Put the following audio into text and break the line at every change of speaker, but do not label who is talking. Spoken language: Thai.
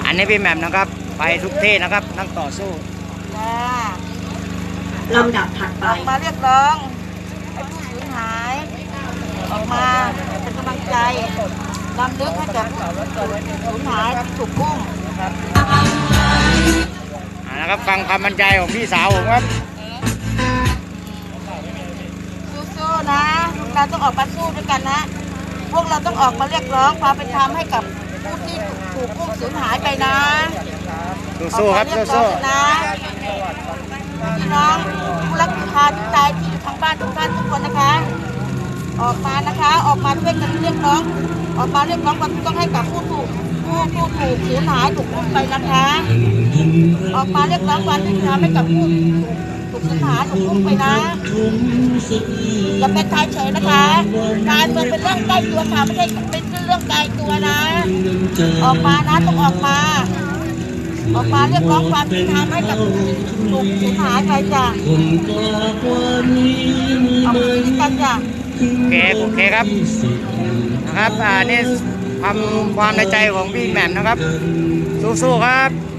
อันนี้พี่แหม่มนะครับไปทุกที่นะครับนั่งต่อสู้
ลำดับถัดไป
ออกมาเรียกร้องให้ผู้สูญหายออกมาเป็นกำลังใจรำลึกให้กับผู้สูญหายที่ถูกอุ้ม
นะครับฟังคำบรรยายของพี่สาวผมครับ
สู้ๆนะเราต้องออกมาสู้ด้วยกันนะพวกเราต้องออกมาเรียกร้องความเป็นธรรมให้กับผู้ที่ถูกอุ้มสูญหายไปนะ
สู้ๆครับสู้
ๆนะพี่น้องผู้รักษาที่ตายที่อยู่ทางบ้านทุกท่านทุกคนนะคะออกมานะคะออกมาช่วยกันเรียกร้องออกมาเรียกร้องความต้องให้กับผู้ถูกสูญหายถูกอุ้มไปนะคะออกมาเรียกร้องความเป็นธรรมให้กับผู้ถูกสูญหายถูกอุ้มไปนะอย่าเป็นทายเฉยนะคะการเมืองเป็นเรื่องใกล้ตัวค่ะไม่ใช่เป็นเรื่องไกลตัวนะออกมานะต้องออกมาเรียกร้องความเป็นธรรมให้กับถูกสูญหายไปจ้ะออกมาด้วยกันจ้ะ
โอเคครับนะครับนี่ความในใจของพี่แหม่มนะครับสู้ๆครับ